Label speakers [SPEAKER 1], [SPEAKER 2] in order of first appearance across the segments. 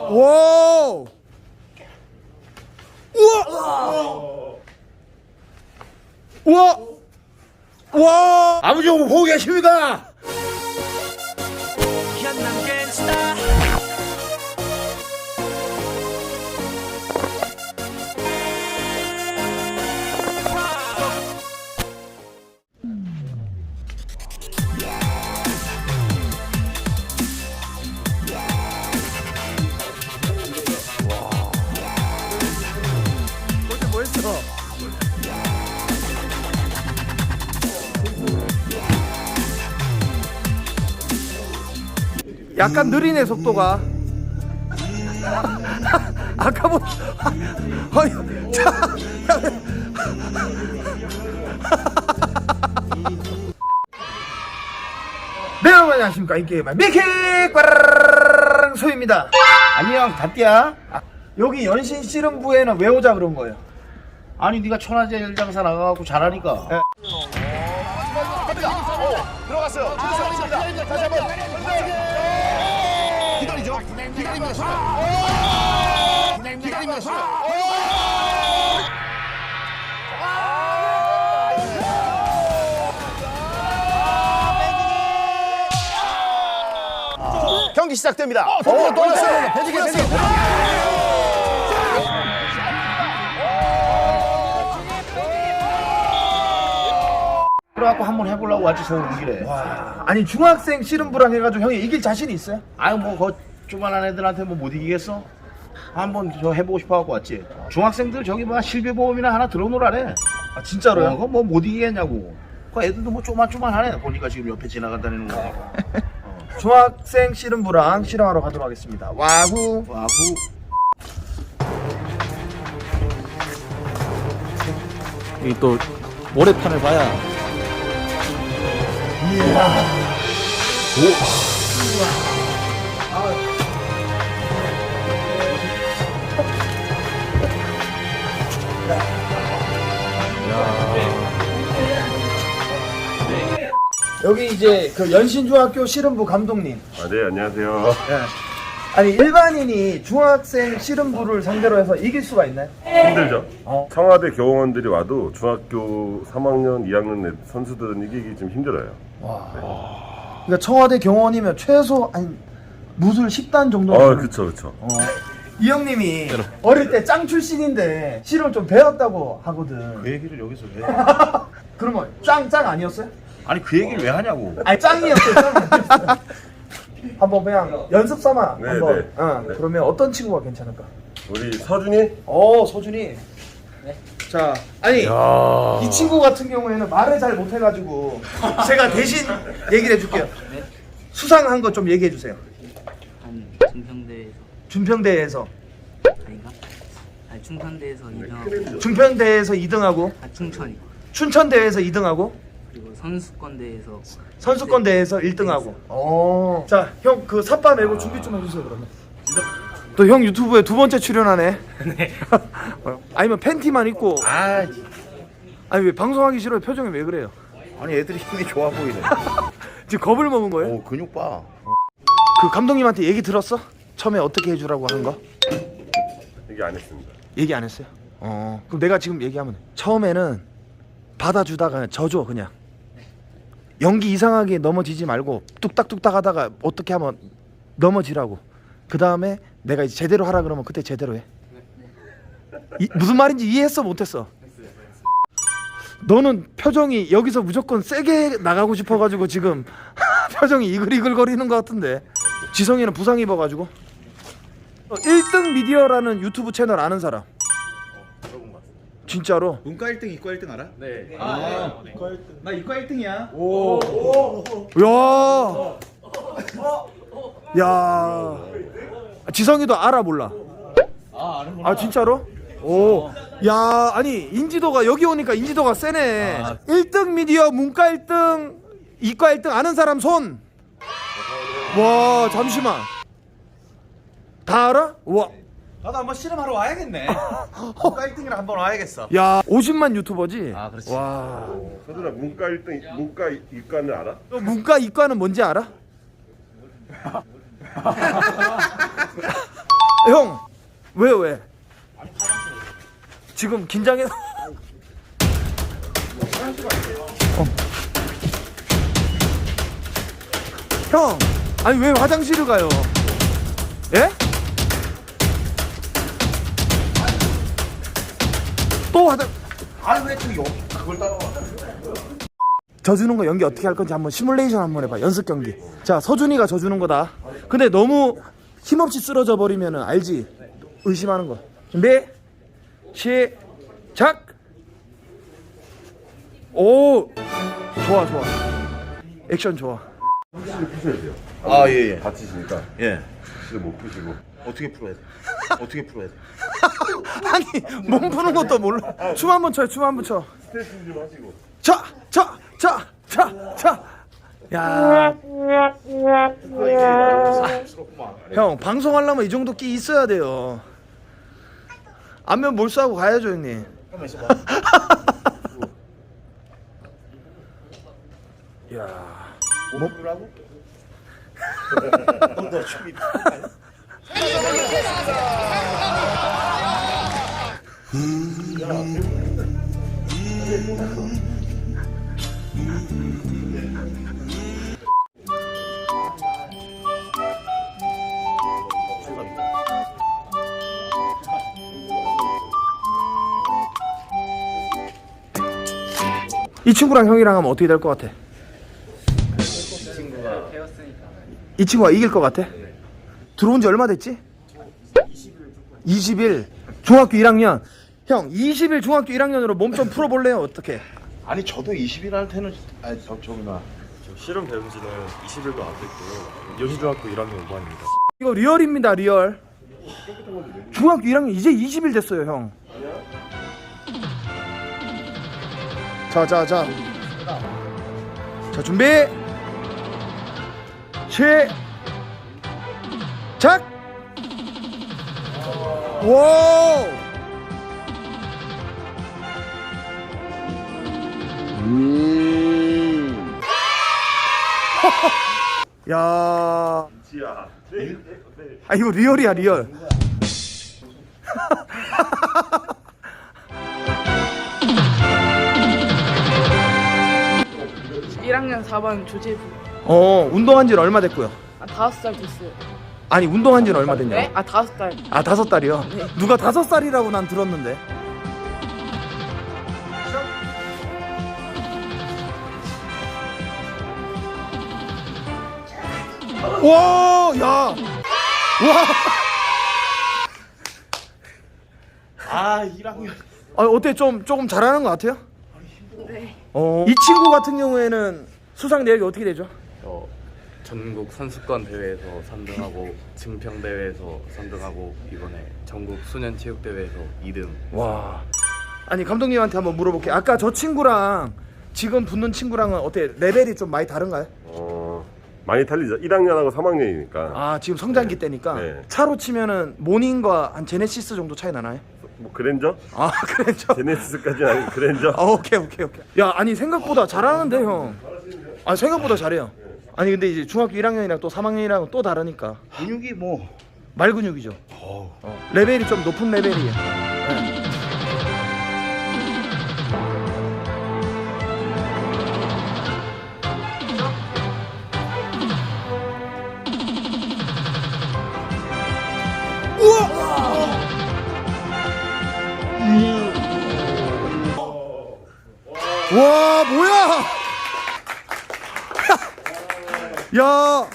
[SPEAKER 1] 와! 우와! 우와! 와!
[SPEAKER 2] 아버지 오늘 보고 계십니까?
[SPEAKER 1] 뭐 했어? 약간 느리네 속도가. 아까 뭐 아니 자 네 여러분 안녕하십니까 인게임의 미키 소입니다.
[SPEAKER 2] 안녕 다띠야.
[SPEAKER 1] 여기 연신 씨름부에는 왜 오자 그런 거예요?
[SPEAKER 2] 아니 네가 천하제일 장사 나가갖고 잘하니까.
[SPEAKER 1] 네.
[SPEAKER 3] 들어갔어요. 다시 한번 기다리죠. 기다립니다. 기다립니다. 경기 시작됩니다. 돌았어요. 배지게.
[SPEAKER 2] 그래갖고 한번 해보려고 왔지 서울 이기래.
[SPEAKER 1] 아니 중학생 씨름부랑 해가지고 형이 이길 자신이 있어요?
[SPEAKER 2] 아유 뭐그 조만한 애들한테 뭐 못 이기겠어? 한번 저 해보고 싶어갖고 왔지. 중학생들 저기 뭐 실비보험이나 하나 들어놓으라래.
[SPEAKER 1] 아 진짜로요?
[SPEAKER 2] 그거 뭐 못 이기겠냐고. 그 애들도 뭐 쪼만쪼만하네. 보니까 지금 옆에 지나간다는 거.
[SPEAKER 1] 중학생 씨름부랑 씨름하러 가도록 하겠습니다. 와후.
[SPEAKER 2] 와후.
[SPEAKER 4] 이 또 모래판을 봐야
[SPEAKER 1] 여기 이제 그 연신중학교 씨름부 감독님.
[SPEAKER 5] 아, 네, 안녕하세요.
[SPEAKER 1] 아니 일반인이 중학생 씨름부를 상대로 해서 이길 수가 있나요?
[SPEAKER 5] 힘들죠?
[SPEAKER 1] 어.
[SPEAKER 5] 청와대 교원들이 와도 중학교 3학년, 2학년 선수들은 이기기 좀 힘들어요.
[SPEAKER 1] 그러니까 청와대 경원이면 최소 한 무술 10단 정도.
[SPEAKER 5] 그쵸.
[SPEAKER 1] 이 형님이 어릴 때 짱 출신인데 씨름 좀 배웠다고 하거든.
[SPEAKER 2] 그 얘기를 여기서 왜?
[SPEAKER 1] 그러면 짱 아니었어요?
[SPEAKER 2] 아니 그 얘기를 왜 하냐고.
[SPEAKER 1] 아니 짱이었어요. 한번 그냥 연습 삼아
[SPEAKER 5] 네,
[SPEAKER 1] 한번.
[SPEAKER 5] 네.
[SPEAKER 1] 네. 그러면 어떤 친구가 괜찮을까?
[SPEAKER 5] 우리 서준이?
[SPEAKER 1] 소준이. 자, 아니 이 친구 같은 경우에는 말을 잘 못해가지고 제가 대신 얘기를 해줄게요. 수상한 거 좀 얘기해 주세요.
[SPEAKER 6] 한 중평대에서
[SPEAKER 1] 준평대회에서
[SPEAKER 6] 아닌가? 아니 충청대에서 2등하고
[SPEAKER 1] 준평대회에서 2등하고
[SPEAKER 6] 충천이
[SPEAKER 1] 춘천대회에서 2등하고
[SPEAKER 6] 그리고 선수권대에서
[SPEAKER 1] 선수권대회에서 1등하고. 자, 형 그 삿바 메고 준비 좀 해주세요 그러면. 또 형 유튜브에 두 번째 출연하네. 네. 아니면 팬티만 입고. 아니 왜 방송하기 싫어요? 표정이 왜 그래요?
[SPEAKER 2] 아니 애들이 힘이 좋아 보이네.
[SPEAKER 1] 지금 겁을 먹은 거예요?
[SPEAKER 2] 오 근육 봐.
[SPEAKER 1] 그 감독님한테 얘기 들었어? 처음에 어떻게 해주라고 하는 거?
[SPEAKER 5] 얘기 안 했습니다.
[SPEAKER 1] 얘기 안 했어요? 그럼 내가 지금 얘기하면 돼. 처음에는 받아주다가 져줘 그냥. 연기 이상하게 넘어지지 말고 뚝딱뚝딱 하다가 어떻게 하면 넘어지라고. 그 다음에 내가 이제 제대로 하라 그러면 그때 제대로 해. 무슨 말인지 이해했어 못했어? 너는 표정이 여기서 무조건 세게 나가고 싶어가지고 지금 표정이 이글이글거리는 것 같은데. 지성이는 부상 입어가지고. 1등 미디어라는 유튜브 채널 아는 사람? 진짜로?
[SPEAKER 4] 문과 1등, 이과 1등 알아? 네. 나 이과 1등이야.
[SPEAKER 1] 야. 지성이도 알아 몰라? 아 진짜로? 오. 야, 아니 인지도가 여기 오니까 인지도가 세네. 1등 미디어 문과 1등 이과 1등 아는 사람 손. 와, 잠시만. 다 알아? 와.
[SPEAKER 4] 나도 한번 씨름하러 와야겠네. 문과 1등이라 한번 와야겠어.
[SPEAKER 1] 야, 50만 유튜버지?
[SPEAKER 4] 아, 그렇지.
[SPEAKER 1] 와.
[SPEAKER 5] 서준아, 문과 1등, 문과 이과는 알아?
[SPEAKER 1] 너 문과 이과는 뭔지 알아? 형 왜요 왜? 지금 긴장해서. 형 아니 왜 화장실을 가요? 예? 또 화장.
[SPEAKER 2] 아니 왜 또 여기 그걸 따라와?
[SPEAKER 1] 져주는 거 연기 어떻게 할 건지 한번 시뮬레이션 한번 해봐. 연습 경기. 자 서준이가 져주는 거다. 근데 너무 힘없이 쓰러져 버리면은 알지? 의심하는 거. 준비 시작. 오 좋아 좋아. 액션 좋아.
[SPEAKER 5] 확실히 푸셔야 돼요.
[SPEAKER 2] 아 예예.
[SPEAKER 5] 다치시니까
[SPEAKER 2] 예.
[SPEAKER 5] 확실히 못 푸시고.
[SPEAKER 2] 어떻게 풀어야 돼? 어떻게 풀어야 돼?
[SPEAKER 1] 아니 몸 푸는 것도 몰라. 춤 한번 춰요. 춤 한번 춰.
[SPEAKER 5] 스트레칭 좀 하시고.
[SPEAKER 1] 자. 야. 형 방송하려면 이 정도 끼 있어야 돼요. 안면 몰수하고 가야죠 형님.
[SPEAKER 2] 잠깐만 있어봐.
[SPEAKER 1] 야.
[SPEAKER 2] 뭐 풀라고? 너 춤이.
[SPEAKER 1] 이 친구랑 형이랑 하면 어떻게 될 것 같아? 이 친구가 이길 것 같아? 들어온 지 얼마 됐지? 20일. 중학교 1학년. 형 20일 중학교 1학년으로 몸 좀 풀어볼래요? 어떻게?
[SPEAKER 2] 아니 저도 20일 할 때는 아니 저기나
[SPEAKER 7] 실험 배운 지는 20일도 안 됐고요. 여신중학교 1학년 5반입니다.
[SPEAKER 1] 이거 리얼입니다 리얼. 중학교 1학년 이제 20일 됐어요 형. 자 준비 시작. 와. 야.
[SPEAKER 5] 지야.
[SPEAKER 1] 아 이거 리얼이야 리얼.
[SPEAKER 8] 일학년 4반 조재부.
[SPEAKER 1] 운동한 지는 얼마 됐고요?
[SPEAKER 8] 5살 됐어요.
[SPEAKER 1] 아니 운동한 지는 얼마 됐냐고?
[SPEAKER 8] 네? 5살.
[SPEAKER 1] 아 5살이요? 누가 5살이라고 난 들었는데. 와, 야, 와.
[SPEAKER 2] 아 1학년
[SPEAKER 1] 아, 어때? 조금 잘하는 것 같아요?
[SPEAKER 8] 네.
[SPEAKER 1] 이 친구 같은 경우에는 수상 내역이 어떻게 되죠?
[SPEAKER 7] 전국 선수권 대회에서 3등하고 증평 대회에서 3등하고 이번에 전국 소년 체육 대회에서 2등.
[SPEAKER 1] 와. 아니 감독님한테 한번 물어볼게요. 아까 저 친구랑 지금 붙는 친구랑은 어때? 레벨이 좀 많이 다른가요?
[SPEAKER 5] 많이 달리죠. 1학년하고 3학년이니까.
[SPEAKER 1] 아 지금 성장기 때니까
[SPEAKER 5] 네.
[SPEAKER 1] 차로 치면은 모닝과 한 제네시스 정도 차이 나나요?
[SPEAKER 5] 뭐 그랜저?
[SPEAKER 1] 아 그랬죠?
[SPEAKER 5] 제네시스까지는 아니고 그랜저?
[SPEAKER 1] 오케이. 야 아니 생각보다 잘하는데 형. 아 생각보다 잘해요. 아니 근데 이제 중학교 1학년이랑 또 3학년이랑 또 다르니까
[SPEAKER 2] 근육이 뭐
[SPEAKER 1] 말 근육이죠. 레벨이 좀 높은 레벨이에요. 네. 와 뭐야? 야.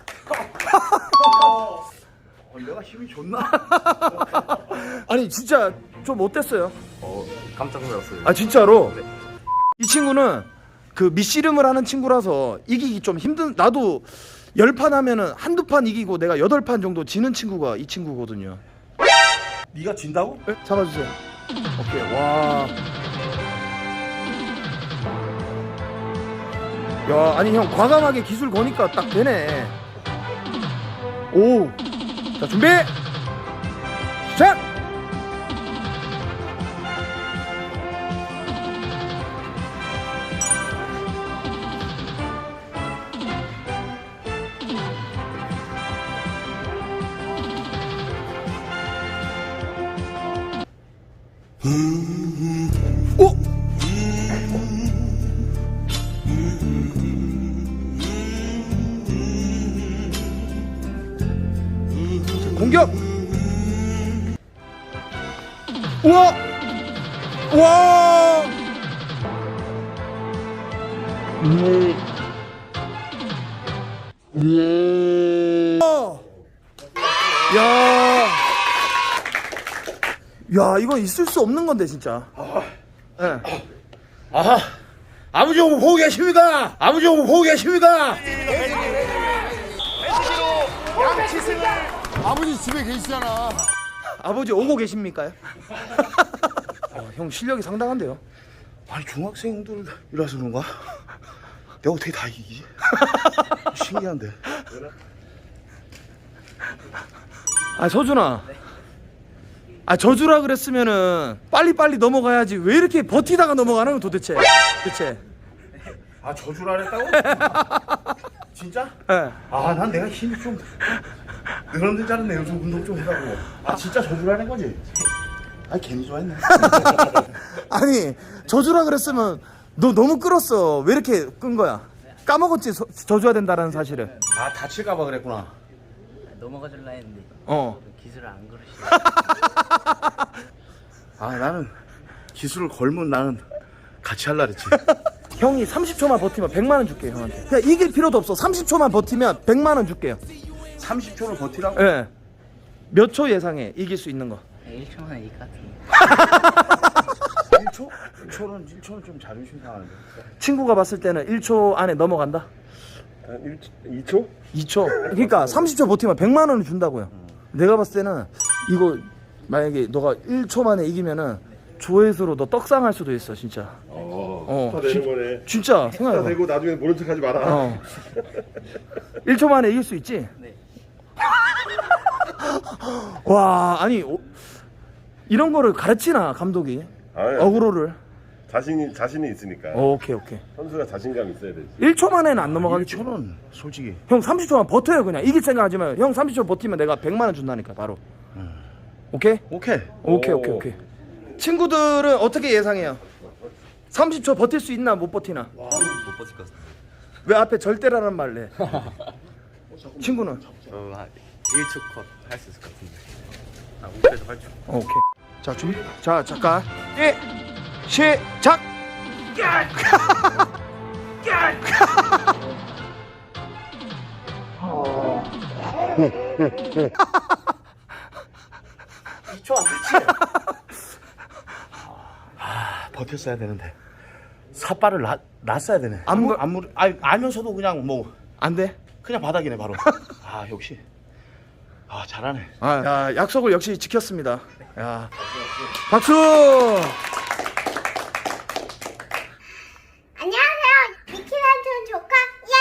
[SPEAKER 2] 내가 힘이 좋나?
[SPEAKER 1] 아니 진짜 좀 어땠어요?
[SPEAKER 7] 깜짝 놀랐어요.
[SPEAKER 1] 아 진짜로? 이 친구는 그 밑씨름을 하는 친구라서 이기기 좀 힘든. 나도 10판 하면은 한두 판 이기고 내가 8판 정도 지는 친구가 이 친구거든요.
[SPEAKER 2] 네가 진다고?
[SPEAKER 1] 네? 잡아주세요. 오케이. 와. 야 아니 형 과감하게 기술 거니까 딱 되네. 오. 자 준비 시작. 오! 공격! 우와! 와! 야! 야, 이건 있을 수 없는 건데 진짜. 예.
[SPEAKER 2] 아, 아버지 오고 보고 계십니까? 아버지 오고 보고 계십니까?
[SPEAKER 3] 아버지 집에 계시잖아.
[SPEAKER 1] 아버지 오고 계십니까요? 형 실력이 상당한데요.
[SPEAKER 2] 아니 중학생들이라서 그런가? 내가 어떻게 다 이기지? 신기한데.
[SPEAKER 1] 아, 서준아. 아, 저주라 그랬으면은 빨리빨리 넘어가야지. 왜 이렇게 버티다가 넘어가는 건 도대체? 대체.
[SPEAKER 2] 아 저주를 안 했다고? 진짜?
[SPEAKER 1] 예.
[SPEAKER 2] 아 난 내가 힘이 좀 늘었는 줄 알았네. 요즘 운동 좀 해가지고. 아 진짜 저주를 안 한 거지? 아 괜히 좋아했네.
[SPEAKER 1] 아니, 저주라 그랬으면 너 너무 끌었어. 왜 이렇게 끈 거야? 까먹었지, 저주해야 된다는 사실을.
[SPEAKER 2] 아 다칠까봐 그랬구나.
[SPEAKER 6] 넘어가 줄라 했는데
[SPEAKER 1] 어.
[SPEAKER 6] 기술을 안 걸으시고.
[SPEAKER 2] 아 나는 기술을 걸면 나는 같이 할라 그랬지.
[SPEAKER 1] 형이 30초만 버티면 100만 원 줄게요, 형한테. 그냥 이길 필요도 없어. 30초만 버티면 100만 원 줄게요.
[SPEAKER 2] 30초를 버티라고?
[SPEAKER 1] 예. 몇 초 예상해? 이길 수 있는 거.
[SPEAKER 6] 1초 만에 이길 것 같은데.
[SPEAKER 2] 1초? 1초는 좀 자존심 상하는데.
[SPEAKER 1] 친구가 봤을 때는 1초 안에 넘어간다?
[SPEAKER 5] 한 2초?
[SPEAKER 1] 2초. 그러니까 30초 버티면 100만 원을 준다고요. 내가 봤을 때는 이거 만약에 너가 1초 만에 이기면은 조회수로 너 떡상할 수도 있어, 진짜.
[SPEAKER 5] 다 되는 거네.
[SPEAKER 1] 진짜
[SPEAKER 5] 다
[SPEAKER 1] 생각해봐.
[SPEAKER 5] 되고 나중에 모른 척 하지 마라.
[SPEAKER 1] 어. 1초 만에 이길 수 있지?
[SPEAKER 6] 네.
[SPEAKER 1] 와, 아니 이런 거를 가르치나 감독이?
[SPEAKER 5] 아니,
[SPEAKER 1] 어그로를.
[SPEAKER 5] 자신이 있으니까.
[SPEAKER 1] 오케이.
[SPEAKER 5] 선수가 자신감 있어야 되지.
[SPEAKER 1] 1초 만에는 안 넘어가겠지.
[SPEAKER 2] 1초는 솔직히
[SPEAKER 1] 형 30초만 버텨요, 그냥. 이길 생각 하지 마요. 형 30초 버티면 내가 100만 원 준다니까, 바로. 오케이?
[SPEAKER 2] 오케이.
[SPEAKER 1] 오케이. 친구들은 어떻게 예상해요? 30초 버틸 수 있나 못 버티나?
[SPEAKER 7] 못 버틸 것 같습니다.
[SPEAKER 1] 왜 앞에 절대라는 말을 해? 친구는?
[SPEAKER 7] 한 1초 컷 할 수 있을 것 같은데. 아, 목표에서 8초.
[SPEAKER 1] 오케이. 자, 준비. 자, 잠깐. 예. 시작.
[SPEAKER 2] 버텼어야 되는데 삿발을 놨어야 되네. 알면서도 그냥 뭐
[SPEAKER 1] 안 돼?
[SPEAKER 2] 그냥 바닥이네 바로. 아 역시 아 잘하네.
[SPEAKER 1] 야, 약속을 역시 지켰습니다. 야. 박수!
[SPEAKER 9] 안녕하세요. 미키란촌 조카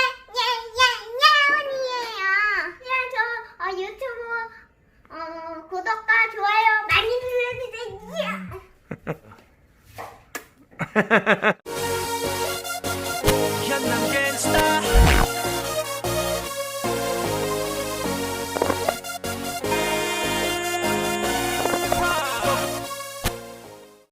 [SPEAKER 9] 예예예예원이에요. 유튜브 구독과 좋아요 많이 눌러주세요.